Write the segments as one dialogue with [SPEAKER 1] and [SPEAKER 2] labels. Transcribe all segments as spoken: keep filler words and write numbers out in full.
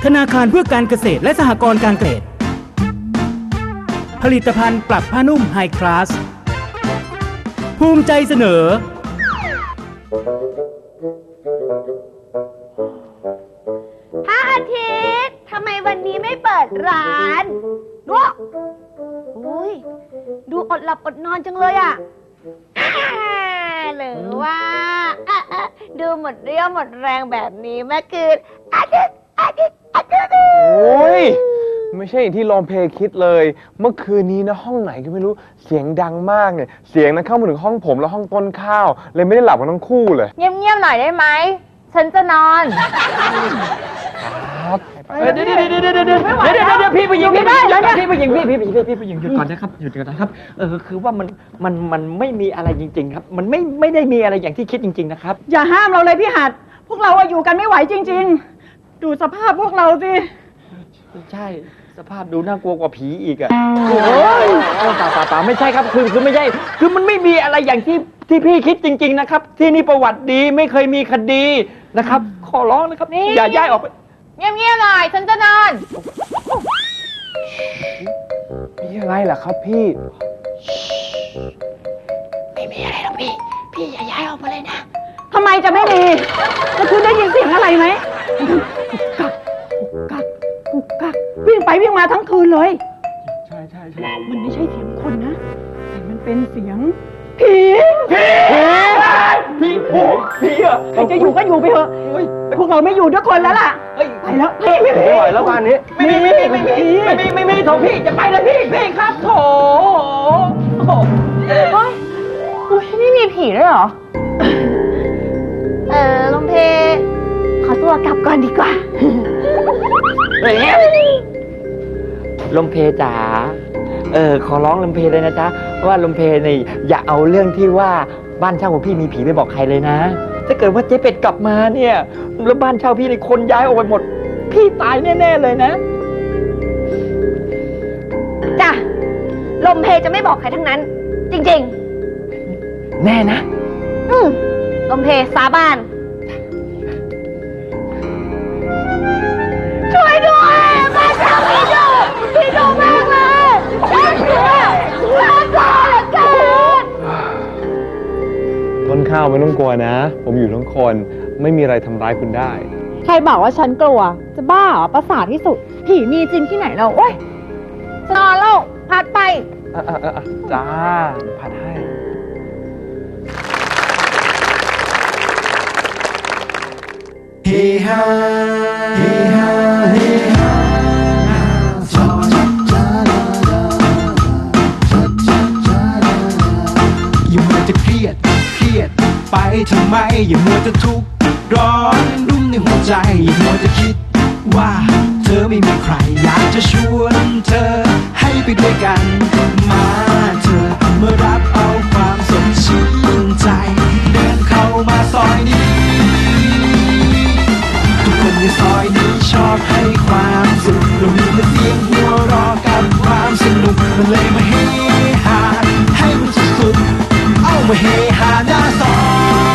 [SPEAKER 1] ธนาคารเพื่อการเกษตรและสหกรณ์การเกษตรผลิตภัณฑ์ปรับผ้านุ่มไฮคลาสภูมิใจเสนอ
[SPEAKER 2] พระอาทิตย์ทำไมวันนี้ไม่เปิดร้านดูอุ้ยดูอดหลับอดนอนจังเลยอ่ะหรือว่าดูหมดเรี่ยวหมดแรงแบบนี้เมื่อคืนอาทิตย์อาทิตย์อาทิตย์
[SPEAKER 3] โอ้ยไม่ใช่อย่างที่ลองเพลคิดเลยเมื่อคืนนี้นะห้องไหนก็ไม่รู้เสียงดังมากเนี่ยเสียงนั้นเข้ามาถึงห้องผมแล้วห้องต้นข้าวเลยไม่ได้หลับกันทั้งคู่เลย
[SPEAKER 2] เงียบๆหน่อยได้ไหมฉันจะนอน
[SPEAKER 3] ครับ
[SPEAKER 4] เดี๋ยวเดี๋ยวเดี๋ยวเดี๋ยวเดี๋ยวเดี๋ยวเดี๋ยวพี่ผู้หญิงพี่ผู้หญิงพี่ผู้หญิงพี่พี่ผู้หญิงพี่ผู้หญิงหยุดก่อนนะครับหยุดก่อนนะครับเออคือว่ามันมันมันไม่มีอะไรจริงๆครับมันไม่ไม่ได้มีอะไรอย่างที่คิดจริงๆนะครับ
[SPEAKER 5] อย่าห้ามเราเลยพี่หัดพวกเราอยู่กันไม่ไหวจริงๆดูสภาพพวกเราสิ
[SPEAKER 4] ใช่สภาพดูน่ากลัวกว่าผีอีกอ่ะโอ้ยเปล่าเปล่าเปล่าไม่ใช่ครับคือคือไม่ใช่คือมันไม่มีอะไรอย่างที่ที่พี่คิดจริงๆนะครับที่นี่ประวัติดีไม่เคยมีคดีนะครับขอร้องนะครับอย่าย้ายออกไป
[SPEAKER 2] เงียบๆหน่อยฉันจะนอน
[SPEAKER 3] มีอะไรล่ะครับพี่
[SPEAKER 2] ไม่มีอะไรหรอกพี่พี่อย่าย้ายออกมาเลยนะ
[SPEAKER 5] ทำไมจะไม่มีแล้วคุณได้ยินเสียงอะไรไหมกุกกักกุกกักกุกกักวิ่งไปวิ่งมาทั้งคืนเลย
[SPEAKER 3] ใช่ใช่ใช่
[SPEAKER 5] มันไม่ใช่เสียงคนนะแต่มันเป็นเสียงผี
[SPEAKER 3] ผีผีผีผีอ่ะ
[SPEAKER 5] ใครจะอยู่ก็อยู่ไปเถอะพวกเราไม่อยู่ด้วยคนแล้วล่ะไปแล้วพี่ไม่
[SPEAKER 3] ไหวแล้วบ้านนี้
[SPEAKER 4] ไม่มีไม่มีไม่มีไม่มีไม่มีโถพี่จะไปเลยพี่พี่ครับโถ
[SPEAKER 2] โอ้ยอุ้ยไม่มีผีด้วยเหรอเออลมเพขอตัวกลับก่อนดีกว่า
[SPEAKER 4] เฮ้ยลมเพจ๋าเออขอร้องลมเพเลยนะจ๊ะว่าลมเพนี่อย่าเอาเรื่องที่ว่าบ้านเช่าของพี่มีผีไปบอกใครเลยนะถ้าเกิดว่าเจ๊เป็ดกลับมาเนี่ยแล้วบ้านเช่าพี่ในคนย้ายออกไปหมดพี่ตายแน่ๆเลยนะ
[SPEAKER 2] จ้ะลมเพจะไม่บอกใครทั้งนั้นจริง
[SPEAKER 4] ๆแน่นะ
[SPEAKER 2] อืมลมเพสาบานช่วยด้วยบ้านเช่าพี่ดุพี่ดุมากเลยน่ากลัวน่ากลัวเหลือเกิน
[SPEAKER 3] ต้นข้าวไม่ต้องกลัวนะผมอยู่ทั้งคนไม่มีอะไรทำร้ายคุณได้
[SPEAKER 5] ใครบอกว่าฉันกลัวจะบ้าเหรอประสาทที่สุดผีมีจริงที่ไหนเราโอ๊ย
[SPEAKER 2] นอนแล้วพัดไป
[SPEAKER 3] อ่ะอ่ะอ่ะจ้าพัดให้เฮฮาเฮฮาเฮฮาอย่ามัวจะเครียดเครียดไปทำไมอย่ามัวจะทุกข์ร้อนรุ่มในหัวใจอย่ามัวจะคิดว่าเธอไม่มีใครอยากจะชวนเธอให้ไปด้วยกันมาเธอมารับเอาความสดชื่นใจเดินเข้ามาซอยนี้ทุกคนในซอยนี้ชอบให้ความสุขเรามีแต่เสียงหัวเราะกับความสนุกมันเลยมาเฮฮาให้มันสุดๆเอามาเฮฮาหน้าซอย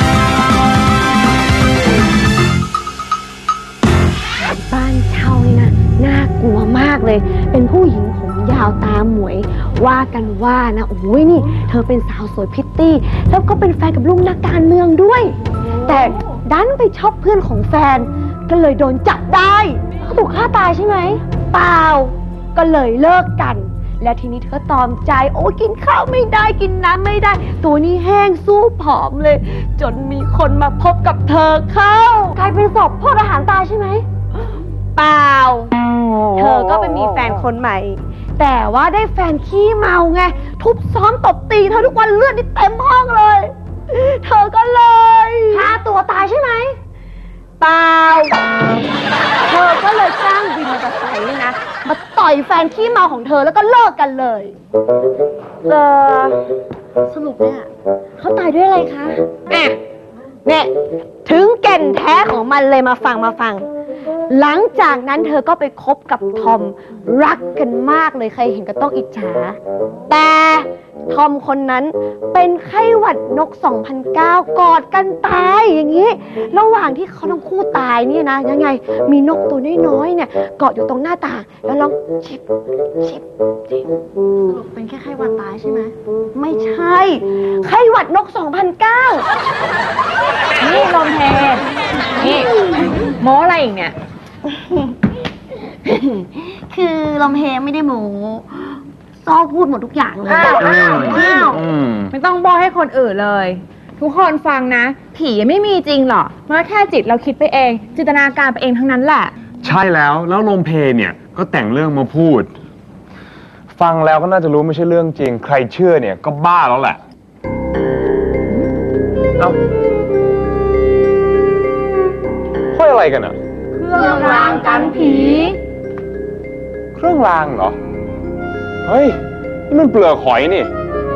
[SPEAKER 2] บ้านเช่านี่นะน่ากลัวมากเลยเป็นผู้หญิงผมยาวตาหมวยว่ากันว่านะโอ้ยนี่เธอเป็นสาวสวยพิตตี้แล้วก็เป็นแฟนกับลุงนักการเมืองด้วยแต่ดันไปชอบเพื่อนของแฟนก็เลยโดนจับได้เขาถูกฆ่าตายใช่ไหมเปล่าก็เลยเลิกกันและทีนี้เธอตอมใจโอ้กินข้าวไม่ได้กินน้ำไม่ได้ตัวนี้แห้งสู้ผอมเลยจนมีคนมาพบกับเธอเข้ากลายเป็นศพพวกอาหารตายใช่ไหมเปล่าเธอก็ไปมีแฟนคนใหม่แต่ว่าได้แฟนขี้เมาไงทุบซ้อมตบตีเธอทุกวันเลือดนี่เต็มห้องเลยเธอก็เลยฆ่าตัวตายใช่ไหมเปล่าเธอก็เลยจ้างวินมอเตอร์ไซค์นี่นะมาต่อยแฟนขี้เมาของเธอแล้วก็เลิกกันเลยเออสรุปเนี่ยเขาตายด้วยอะไรคะอ่ะเนี่ยถึงแก่นแท้ของมันเลยมาฟังมาฟังหลังจากนั้นเธอก็ไปคบกับทอมรักกันมากเลยใครเห็นก็ต้องอิจฉาแต่ทอมคนนั้นเป็นไข้หวัดนก สองพันเก้า กอดกันตายอย่างนี้ระหว่างที่เขาทั้งคู่ตายเนี่ยนะยังไงมีนกตัวน้อยๆเนี่ยเกาะอยู่ตรงหน้าต่างแล้วร้องชิบชิบชิบสรุปเป็นแค่ไข้หวัดตายใช่ไหมไม่ใช่ไข้หวัดนก สองพันเก้า
[SPEAKER 6] นี่ลมเพนี่โม้อะไรอีกเนี่ย
[SPEAKER 2] คือลมเพไม่ได้โม้ซ้อพูดหมดทุกอย่างเลย
[SPEAKER 6] อ้าว
[SPEAKER 2] อ้าวอ้าว
[SPEAKER 4] อืม
[SPEAKER 6] ไม่ต้องบอกให้คนอื่นเลย ทุกคนฟังนะ ผีไม่มีจริงหรอกมันก็แค่จิตเราคิดไปเอง จินตนาการไปเองทั้งนั้นแหละ
[SPEAKER 7] ใช่แล้ว แล้วลมเพเนี่ยก็แต่งเรื่องมาพูด ฟังแล้วก็น่าจะรู้ไม่ใช่เรื่องจริง ใครเชื่อเนี่ยก็บ้าแล้วแหละ เอ้าห้อยอะไรกันอะ
[SPEAKER 6] เครื่องรางกันผี
[SPEAKER 7] เครื่องรางเหรอ เฮ้ย นี่มันเปลือกหอยนี่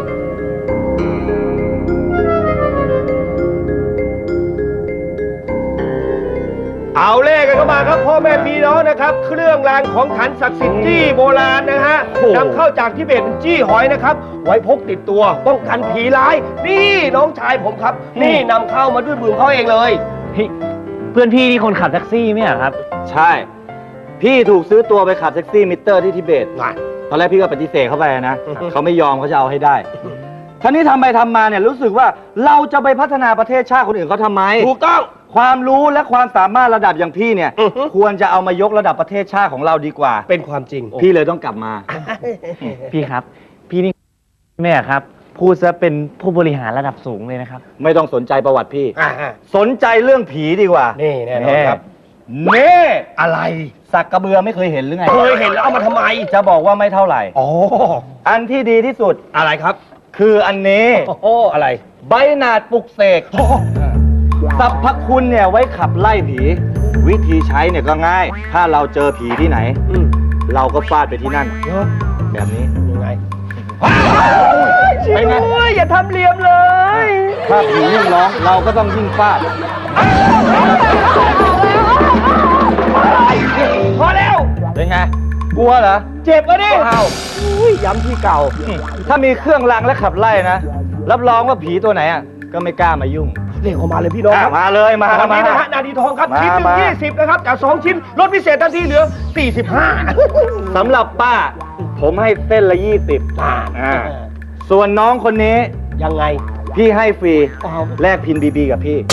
[SPEAKER 8] เอาเลขกันเข้ามาครับพ่อแม่พี่น้องนะครับ เครื่องรางของขลังศักดิ์สิทธิ์จี้โบราณนะฮะนำเข้าจากทิเบตเป็นจี้หอยนะครับ ไว้พกติดตัวป้องกันผีร้าย นี่น้องชายผมครับ นี่นำเข้ามาด้วยมือเขาเองเลย
[SPEAKER 9] เพื่อนพี่ที่คนขับแท็กซี่เนี่ยครับ
[SPEAKER 10] ใช่ พี่ถูกซื้อตัวไปขับแท็กซี่มิเตอร์ที่ทิเบต
[SPEAKER 8] น่ะ
[SPEAKER 10] ตอนแรกพี่ก็ปฏิเสธเข้าไปนะ เขาไม่ยอมเขาจะเอาให้ได้ท่านี้ทำไปทำมาเนี่ยรู้สึกว่าเราจะไปพัฒนาประเทศชาติคนอื่นเขาทำไม
[SPEAKER 8] ถูกต้อง
[SPEAKER 10] ความรู้และความสามารถระดับอย่างพี่เนี่ย
[SPEAKER 8] อือฮึ
[SPEAKER 10] ควรจะเอามายกระดับประเทศชาติของเราดีกว่า
[SPEAKER 8] เป็นความจริง
[SPEAKER 10] พี่เลยต้องกลับมา
[SPEAKER 9] พี่ครับ พี่นี่แม่ครับ พูดซะเป็นผู้บริหารระดับสูงเลยนะครับ
[SPEAKER 10] ไม่ต้องสนใจประวัติพี่
[SPEAKER 8] อ่า
[SPEAKER 10] สนใจเรื่องผีดีกว่า
[SPEAKER 8] นี่แน่นอนครับ
[SPEAKER 10] เน่
[SPEAKER 8] อะไร
[SPEAKER 10] สักกระเบือไม่เคยเห็นหรือไง
[SPEAKER 8] เคยเห็นแล้วเอามาทำไม
[SPEAKER 10] จะบอกว่าไม่เท่าไหร่
[SPEAKER 8] อ๋อ
[SPEAKER 10] อันที่ดีที่สุด
[SPEAKER 8] อะไรครับ
[SPEAKER 10] คืออันนี้
[SPEAKER 8] โอ้โหอะไร
[SPEAKER 10] ใบหนาดปลุกเสกสรรพคุณเนี่ยไว้ขับไล่ผี วิธีใช้เนี่ยก็ง่าย ถ้าเราเจอผีที่ไหน
[SPEAKER 8] อืม
[SPEAKER 10] เราก็ฟาดไปที่นั่น
[SPEAKER 8] เยอะ
[SPEAKER 10] แบบนี้
[SPEAKER 8] ยังไง
[SPEAKER 10] ไปไง
[SPEAKER 8] อย่าทำเหลี่ยมเลย
[SPEAKER 10] ถ้าผียิ่งร้องเราก็ต้องยิ่งฟาด
[SPEAKER 8] พอแล้ว
[SPEAKER 10] เป็นไง กลัวเหรอ
[SPEAKER 8] เจ็บอ่ะดิ
[SPEAKER 10] อ้าว
[SPEAKER 8] อุ้ยย้ำที่เก่า
[SPEAKER 10] ถ้ามีเครื่องรางและขับไล่นะ รับรองว่าผีตัวไหนอ่ะก็ไม่กล้ามายุ่ง
[SPEAKER 8] เรียกออกมาเลยพี่น้องครับ
[SPEAKER 10] อ่ะมาเลยมา
[SPEAKER 8] วัน
[SPEAKER 10] มา
[SPEAKER 8] นี้นะฮะนาดีทองครับ
[SPEAKER 10] มา
[SPEAKER 8] ชิ้นหนึ่ง
[SPEAKER 10] มา
[SPEAKER 8] ยี่สิบนะครับ จากสองชิ้นลดพิเศษทันทีเหลือสี่สิบห้า
[SPEAKER 10] สำหรับป้า ผมให้เส้นละยี่สิบอ่าส่วนน้องคนนี้
[SPEAKER 8] ยังไง
[SPEAKER 10] พี่ให้ฟรี
[SPEAKER 8] อ้าว
[SPEAKER 10] แลกพินบีบีกับพี่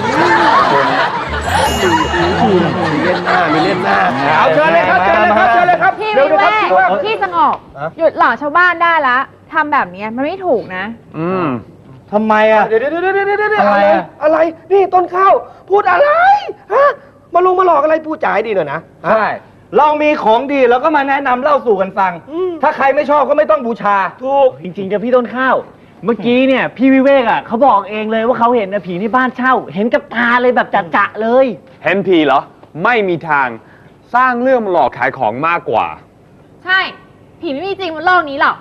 [SPEAKER 8] มีเล่นหน้า มีเล่นหน้า เอาเชิญเลยครับ เชิญเลยครับ เชิญเลยครับ
[SPEAKER 6] พี่
[SPEAKER 8] เดี๋ยว
[SPEAKER 6] วิ
[SPEAKER 8] นะ
[SPEAKER 6] เว
[SPEAKER 8] ครับ
[SPEAKER 6] ก
[SPEAKER 8] พี่ว่า
[SPEAKER 6] พี่สงบ
[SPEAKER 8] ฮะ
[SPEAKER 6] หยุดหลอกชาวบ้านได้ละทำแบบเนี้ยมันไม่ถูกนะ
[SPEAKER 7] อืม
[SPEAKER 10] ทำไมอ่ะ
[SPEAKER 8] เดี๋ยวเดี๋ยวเดี๋ยวเดี๋ยวเดี๋ยวเดี๋ยว
[SPEAKER 10] อะไรอะ
[SPEAKER 8] อะไร นี่ต้นข้าว พูดอะไร ฮะ มาลงมาหลอกอะไรพูดจ่ายดีหน่อยนะฮะ
[SPEAKER 10] ใช่ เรามีของดีเราก็มาแนะนำเล่าสู่กันฟัง
[SPEAKER 8] อืม
[SPEAKER 10] ถ้าใครไม่ชอบก็ไม่ต้องบูชา
[SPEAKER 8] ถูก
[SPEAKER 9] จริงๆจะพี่ต้นข้าว เมื่อกี้เนี่ยพี่วิเวกอ่ะเขาบอกเองเลยว่าเขาเห็นนะผีในบ้านเช่า เห็นกับตาเลยแบบจะๆเลย
[SPEAKER 7] เห็นผีเหรอ ไม่มีทาง สร้างเรื่องมาหลอกขายของมากกว่า
[SPEAKER 6] ใช่ ผีไม่มีจริงบนโลกนี้หรอก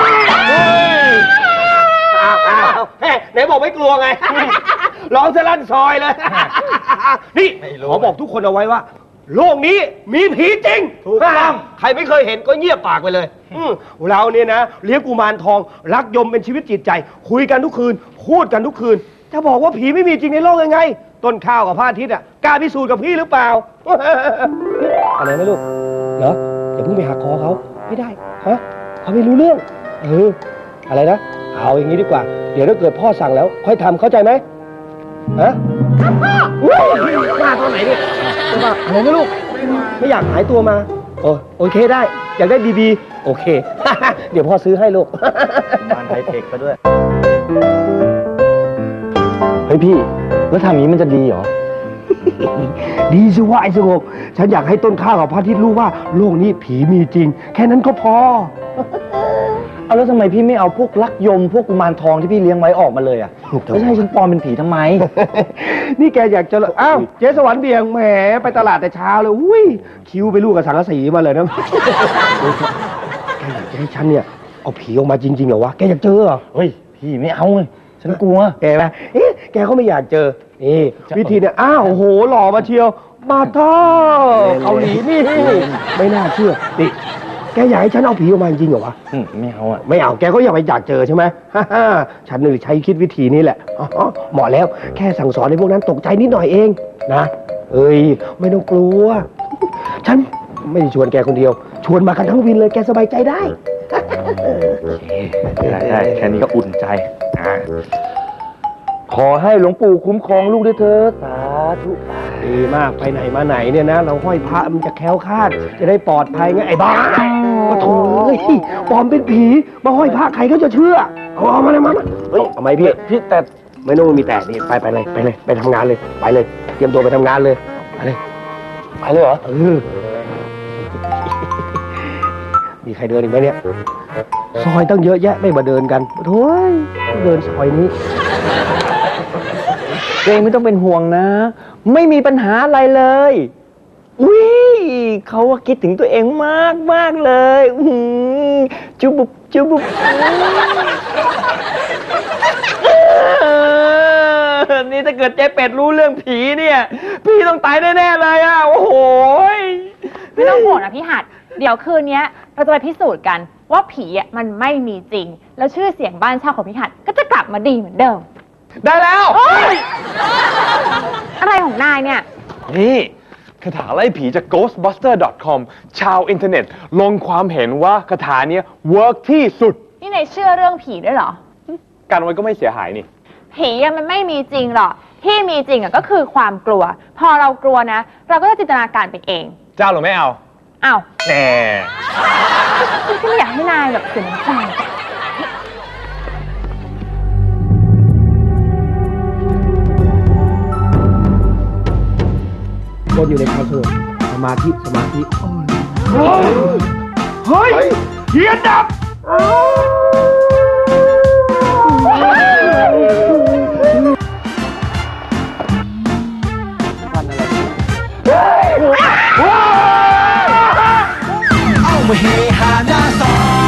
[SPEAKER 8] อ้าวอ้าวเฮ้ยไหนบอกไม่กลัวไง ร้องสลั่นซอยเลย นี่
[SPEAKER 10] ไม่รู้
[SPEAKER 8] ขอบอกทุกคนเอาไว้ว่า โลกนี้มีผีจริง
[SPEAKER 10] ถูกต้อง
[SPEAKER 8] ใครไม่เคยเห็นก็เงียบปากไปเลยอืมเราเนี่ยนะเลี้ยงกุมารทอง รักยมเป็นชีวิตจิตใจ คุยกันทุกคืน พูดกันทุกคืน จะบอกว่าผีไม่มีจริงในโลกยังไง ต้นข้าวกับพระอาทิตย์อ่ะกล้าพิสูจน์กับพี่หรือเปล่า อะไรนะลูกเหรออย่าเพิ่งไปหักคอเขาไม่ได้ฮะเขาไม่รู้เรื่องเอออะไรนะเอาอย่างนี้ดีกว่า เดี๋ยวถ้าเกิดพ่อสั่งแล้ว ค่อยทำเข้าใจไหมฮะพ่อว่าตอนไหนเนี่ยจะว่าอะไรนะลูกไม่อยากหายตัวมาโอโอเคได้ อยากได้บีบีโอเค เดี๋ยวพ่อซื้อให้ลูก
[SPEAKER 10] บ้านไทเทคก็ด้วย เฮ้ยพี่ แล้วทำอย่างนี้มันจะดีเหรอ
[SPEAKER 8] ดีสิว่าไอ้สงบฉันอยากให้ต้นข้าวกับพระอาทิตย์รู้ว่าโลกนี้ผีมีจริง แค่นั้นก็พอ
[SPEAKER 10] เอาแล้วทำไมพี่ไม่เอาพวกลักยม พวกกุมารทองที่พี่เลี้ยงไว้ออกมาเลยอ่ะแล้วจะให้ฉันปลอมเป็นผีทำไม
[SPEAKER 8] นี่แกอยากจะอ้าวเจ๊สวรรค์เบียงแหมไปตลาดแต่เช้าเลยอุ้ยคิวไปลูกกับสังกะสีมาเลยนะ แกอยากจะให้ฉันเนี่ยเอาผีออกมาจริงๆเหรอวะแกอยากเจอเหรอ
[SPEAKER 10] เฮ้ย พี่ไม่เอาเลยฉันกลัว
[SPEAKER 8] แกนะเอ๊ะแกเขาไม่อยากเจอนี่วิธีเนี่ยอ้าวโอ้โหหล่อมาเชียวมาท่อเกาหลีนี่ ไม่น่าเชื่อนี่แกอยากให้ฉันเอาผีออกมาจริงเหรอวะ
[SPEAKER 4] อืมไม่เอาอ่ะ
[SPEAKER 8] ไม่เอาแกก็อย่าไปอยากเจอใช่ไหม ฉันนี่ใช้คิดวิธีนี้แหละอ๋อเหมาะแล้วแค่สั่งสอนให้พวกนั้นตกใจนิดหน่อยเองนะเอ้ยไม่ต้องกลัว ฉันไม่ได้ชวนแกคนเดียว ชวนมากันทั้งวินเลยแกสบายใจได้
[SPEAKER 10] ได้ได้แค่นี้ก็อุ่นใจอ่ะขอให้หลวงปู่คุ้มครองลูกด้วยเถิดสาธุ
[SPEAKER 8] ดีมากไปไหนมาไหนเนี่ยนะ เราห้อยพระมันจะแคล้วคลาด จะได้ปลอดภัยไงไอ้บ้าก็โถ่เอ้ยปลอมเป็นผีมาห้อยพระใครก็จะเชื่อเอาเอามาเลยมามาเฮ้ยเอาไหมพี่พี่แต่ไม่ต้องมีแต่นี่ไปไปเลยไปเลยไปทำงานเลยไปเลย เตรียมตัวไปทำงานเลยไปเลยไปเลยเหรอเออ มีใครเดินอีกไหมเนี่ยซอยตั้งเยอะแยะไม่มาเดินกันโถ่เดินซอยนี้
[SPEAKER 4] เองไม่ต้องเป็นห่วงนะ ไม่มีปัญหาอะไรเลย อุ้ยเขาว่าคิดถึงตัวเองมากมากเลยอื้อหือจุบุบจุบุบเออนี่ถ้าเกิดเจ๊เป็ดรู้เรื่องผีเนี่ย พี่ต้องตายแน่ๆเลยอ่ะ โอ้โห
[SPEAKER 6] ไม่ต้องห่วงนะพี่หัด เดี๋ยวคืนนี้เราจะไปพิสูจน์กันว่าผีอ่ะมันไม่มีจริง แล้วชื่อเสียงบ้านเช่าของพี่หัดก็จะกลับมาดีเหมือนเดิม
[SPEAKER 7] ได้แล้ว
[SPEAKER 6] อะไรของนายเนี่ย
[SPEAKER 7] นี่คาถาไล่ผีจาก โกสต์บัสเตอร์ ดอท คอม ชาวอินเทอร์เน็ตลงความเห็นว่าคาถาเนี้ยเวิร์กที่สุด
[SPEAKER 6] นี่นายเชื่อเรื่องผีด้วยเหรอ
[SPEAKER 7] กันไว้ก็ไม่เสียหายนี่
[SPEAKER 6] ผีอะมันไม่มีจริงหรอก ที่มีจริงอะก็คือความกลัว พอเรากลัวนะ เราก็จะจินตนาการไปเอง
[SPEAKER 7] เจ้าหรือไม่เอา
[SPEAKER 6] อ้าว
[SPEAKER 7] แน่
[SPEAKER 6] ฉันก็ไม่อยากให้นายแบบเสียน้ำใจ
[SPEAKER 8] คนอยู่ในความสงบสมาธิสมาธิเฮ้ยเฮ้ยเทียนดับเอามาเฮฮาหน้าซอย